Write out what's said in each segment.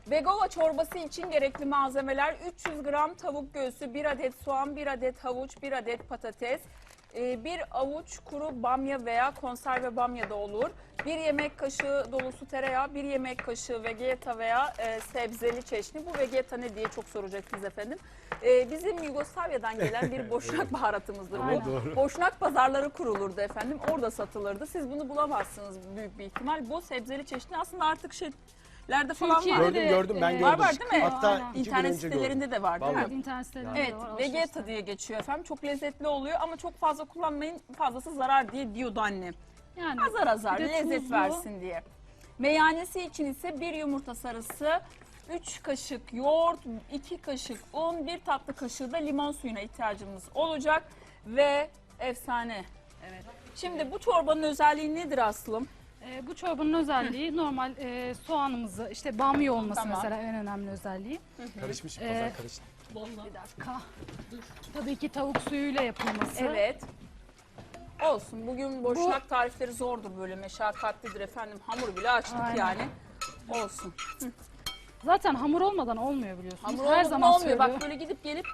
Vegova çorbası için gerekli malzemeler: 300 gram tavuk göğsü, 1 adet soğan, 1 adet havuç, 1 adet patates, 1 avuç kuru bamya veya konserve bamya da olur, 1 yemek kaşığı dolusu tereyağı, 1 yemek kaşığı vegeta veya sebzeli çeşni. Bu vegeta ne diye çok soracaksınız efendim. Bizim Yugoslavya'dan gelen bir boşnak baharatımızdır bu. Boşnak pazarları kurulurdu efendim, orada satılırdı. Siz bunu bulamazsınız büyük bir ihtimal. Bu sebzeli çeşni aslında artık lerde falan var. Gördüm ben gördüm. Var değil mi? Hatta Aynen. 2 gün İnternet önce sitelerinde de var değil mi? Evet, internet sitelerinde Evet, de var. vegeta diye geçiyor efendim. Çok lezzetli oluyor ama çok fazla kullanmayın, fazlası zarar diye diyordu annem. Yani Azar azar bir de lezzet tuzlu. versin diye. Meyanesi için ise 1 yumurta sarısı, 3 kaşık yoğurt, 2 kaşık un, 1 tatlı kaşığı da limon suyuna ihtiyacımız olacak ve efsane. Evet. Şimdi bu çorbanın özelliği nedir Aslım? Bu çorbanın özelliği normal soğanımızı, işte bamya olması Tamam. mesela en önemli özelliği. Karışmış pazar karıştı. Bir dakika. Tabii ki tavuk suyuyla yapılması. Evet. Olsun. Bugün boşnak tarifleri zordur, böyle meşakkatlidir efendim. Hamur bile açtık Aynen. yani. Olsun. Zaten hamur olmadan olmuyor biliyorsunuz. Hamur Her olmadan zaman olmuyor. söylüyorum. Bak böyle gidip gelip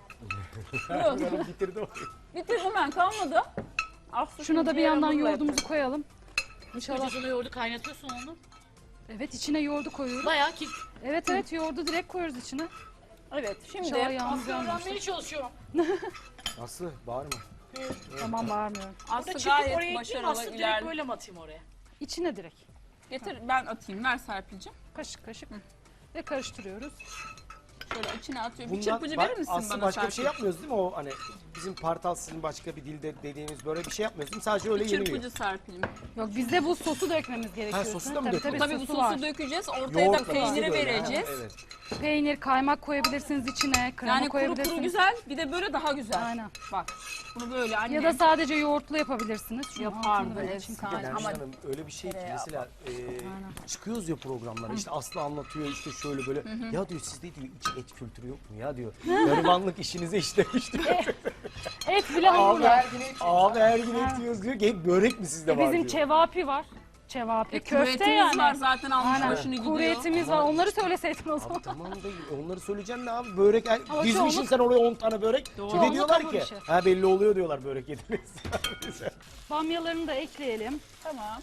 Yok, Bitirdi o. bitirdim ben, kalmadı. Aslı Şuna da bir şimdi yandan hamurla yoğurdumuzu yapıyorum. koyalım. Kocasına yoğurdu kaynatıyorsun onu. Evet, içine yoğurdu koyuyoruz. Bayağı ki Evet, yoğurdu direkt koyuyoruz içine. Evet, şimdi İnşallah yağımız Aslı yanmamıştır. öğrenmeye çalışıyorum. Aslı bağırma. Tamam, bağırmıyorum. Aslı Burada çıkıp oraya gayet gideyim, başarılı Aslı direkt ilerliyor. böyle mi atayım oraya? İçine direkt. Getir ben atayım, ver Serpil'cim. Kaşık kaşık. Ve karıştırıyoruz. Şöyle içine atıyorum. Bir Bundan- çırpıcı bak, verir misin Aslı bana başka Serpil? bir şey yapmıyoruz değil mi o hani bizim partal sizin başka bir dilde dediğimiz böyle bir şey yapmıyoruz değil mi? Sadece öyle Bir yeniyor. çırpıcı Serpil'im. Yok, bizde bu sosu dökmemiz gerekiyor. sosu da mı Tabii, döküyoruz? Tabii bu sosu sosu var. dökeceğiz, ortaya da Yoğurtla peyniri bizde de öyle, vereceğiz. ha, evet. Peynir, kaymak koyabilirsiniz içine, krema Yani kuru koyabilirsiniz. kuru güzel, bir de böyle daha güzel. Aynen. Bak, bunu böyle annem Ya da sadece yoğurtlu yapabilirsiniz. Şunu yapardı altını böyle çünkü efsane. Yani Ama Hanım öyle bir şey ki tereyağı mesela çıkıyoruz ya programlara işte Aslı anlatıyor işte şöyle böyle ya diyor sizde diyor hiç et kültürü yok mu ya diyor. Garibanlık işinize işlemiş diyor. Et bile Abi hamurla. her gün et yiyoruz diyor ki hep börek mi sizde var Bizim diyor. çevapi var. Çevapi, kuru köfte etimiz yani. var zaten, almış Aynen. başını gidiyor. Kuru etimiz var. Onları söyleseydin o zaman. Abi tamam da onları söyleyeceğim de abi börek dizmişsin çoğunluk- sen oraya 10 tane börek. Bir de Çoğunluk diyorlar hamur ki işi. ha belli oluyor diyorlar börek yediniz. Bamyalarını da ekleyelim. Tamam.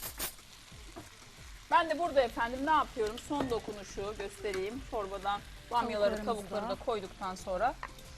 Ben de burada efendim ne yapıyorum? Son dokunuşu göstereyim. Çorbadan bamyaları, Tavuklarımızı tavukları da da koyduktan sonra.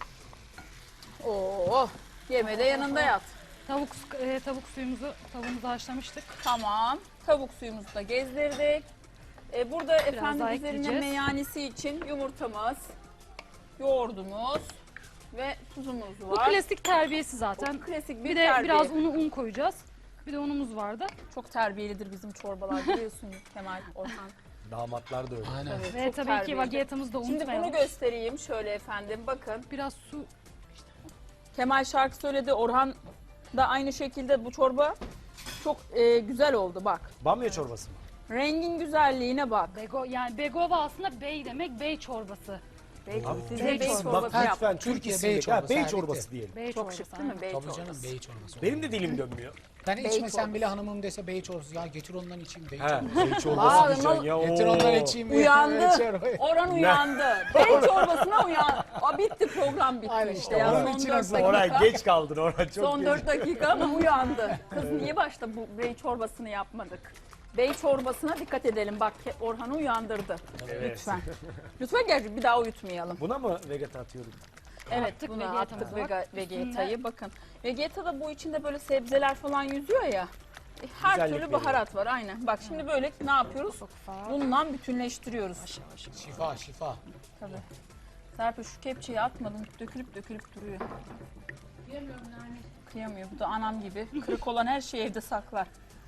Oo, yeme de yanında yat. Tavuk tavuğumuzu haşlamıştık. Tamam. Tavuk suyumuzu da gezdirdik. Burada efendim daha üzerine ekleyeceğiz. meyanesi için yumurtamız, yoğurdumuz ve tuzumuz Bu var. klasik terbiyesi zaten. Bu klasik bir Bir de terbiye. biraz un koyacağız. Bir de unumuz vardı. Çok terbiyelidir bizim çorbalar, biliyorsun Kemal, Orhan. Damatlar da öyle. Aynen. Tabii, Ve çok tabii ki terbiyelidir. vagiyatamızı da Şimdi unutmayalım. bunu göstereyim şöyle efendim, bakın. Biraz su. Kemal şarkı söyledi, Orhan da aynı şekilde. Bu çorba çok güzel oldu bak. Bamya çorbası mı? Rengin güzelliğine bak. Yani begova aslında bey demek, bey çorbası. Size bey bey çorbası. çorbası Bak yap. lütfen Türk Türkiye isimli. bey çorbası, Bey evet. çorbası diyelim. Bey Çok çorbası. şık değil mi bey Tabii çorbası? canım bey çorbası. Benim de dilim dönmüyor. Ben Bey içmesem çorbası. bile hanımım dese bey çorbası. Ya getir ondan içeyim bey He, çorbası. bey Aa, çorbası diyeceksin ya. Getir oo. ondan içeyim. Uyandı. çorbayı. Orhan uyandı. Bey çorbasına uyandı. Bitti, program bitti Aynen işte. işte, Ya, onun son için 4 aslında. Orhan dakika. geç kaldın Orhan çok Son geç. 4 dakika ama uyandı. Kız niye başta bu bey çorbasını yapmadık? Bey çorbasına dikkat edelim. Bak Orhan'ı uyandırdı. Evet. Lütfen. Lütfen gel, bir daha uyutmayalım. Buna mı vegeta atıyorduk? Evet, Attık, bunu vegetamız attık var. vegetayı. Bakın. Vegetada bu içinde böyle sebzeler falan yüzüyor ya. Her Güzellik türlü veriyor. baharat var aynen. Bak şimdi böyle ne yapıyoruz? Bununla bütünleştiriyoruz. Şifa şifa. Tabii. Serpil şu kepçeyi atmadım. Dökülüp duruyor. Kıyamıyor. Bu da anam gibi. Kırık olan her şeyi evde saklar.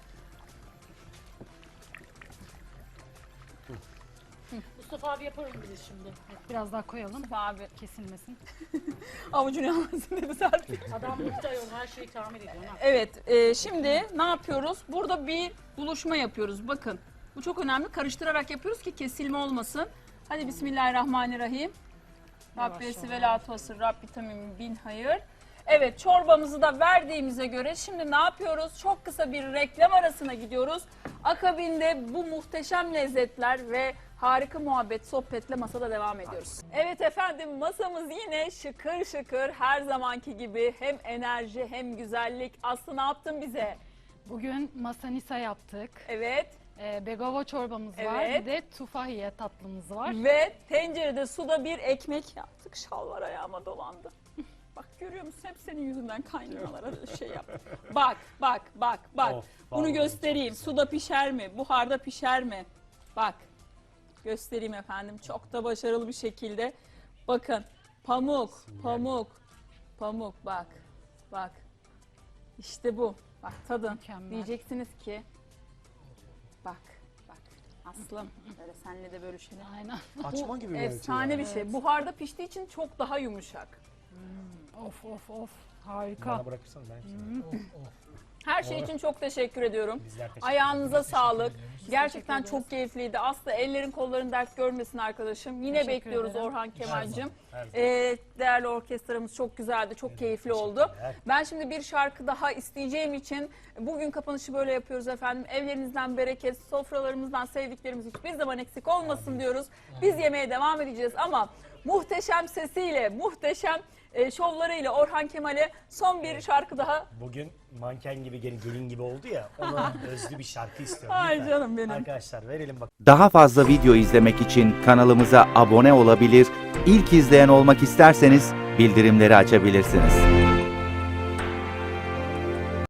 Mustafa abi yaparım bize şimdi. Biraz daha koyalım. Abi Kesilmesin. avucunu yalansın dedi Serpil. Adam mutlu ayol, her şeyi tamir ediyor. Ha. Evet, şimdi ne yapıyoruz? Burada bir buluşma yapıyoruz. Bakın, bu çok önemli. Karıştırarak yapıyoruz ki kesilme olmasın. Hadi Bismillahirrahmanirrahim. Rabbiyesi ve la tuhasır, Rabbi tamim bin hayır. Evet, çorbamızı da verdiğimize göre şimdi ne yapıyoruz? Çok kısa bir reklam arasına gidiyoruz. Akabinde bu muhteşem lezzetler ve harika muhabbet, sohbetle masada devam ediyoruz. Evet efendim, masamız yine şıkır şıkır, her zamanki gibi hem enerji hem güzellik. Aslı ne yaptın bize? Bugün masanisa yaptık. Evet. Begava çorbamız var. Evet. Bir de tufahiye tatlımız var. Ve tencerede suda bir ekmek yaptık. Şalvar ayağıma dolandı. Bak görüyor musun? Hep senin yüzünden kaynamalara şey yap. Bak. Of, Bunu vallahi göstereyim. Suda pişer mi? Buharda pişer mi? Bak. Göstereyim efendim. Çok da başarılı bir şekilde. Bakın. Pamuk. Bak. İşte bu. Bak tadın. Mükemmel. Diyeceksiniz ki. Bak. Aslım. Böyle senle de bölüşelim. Aynen. Açma gibi bir Efsane bir şey. Buharda piştiği için çok daha yumuşak. Of. Harika. Bana bırakırsan ben şimdi. Her şey için çok teşekkür ediyorum. Bizler teşekkür Ayağınıza sağlık. Gerçekten teşekkür çok keyifliydi. Aslı ellerin kolların dert görmesin arkadaşım. Yine Teşekkür bekliyoruz ederim. Orhan Kemal'cim. her zaman. Değerli orkestramız çok güzeldi, çok keyifli oldu. teşekkürler. Ben şimdi bir şarkı daha isteyeceğim için bugün kapanışı böyle yapıyoruz efendim. Evlerinizden bereket, sofralarımızdan sevdiklerimiz hiçbir zaman eksik olmasın diyoruz. Biz yemeğe devam edeceğiz ama muhteşem sesiyle, muhteşem şovlarıyla Orhan Kemal'e son bir şarkı daha. Bugün manken gibi gelin gibi oldu ya, ona özlü bir şarkı istiyorum. Ay Lütfen. canım benim. Arkadaşlar verelim bak. Daha fazla video izlemek için kanalımıza abone olabilir, ilk izleyen olmak isterseniz bildirimleri açabilirsiniz.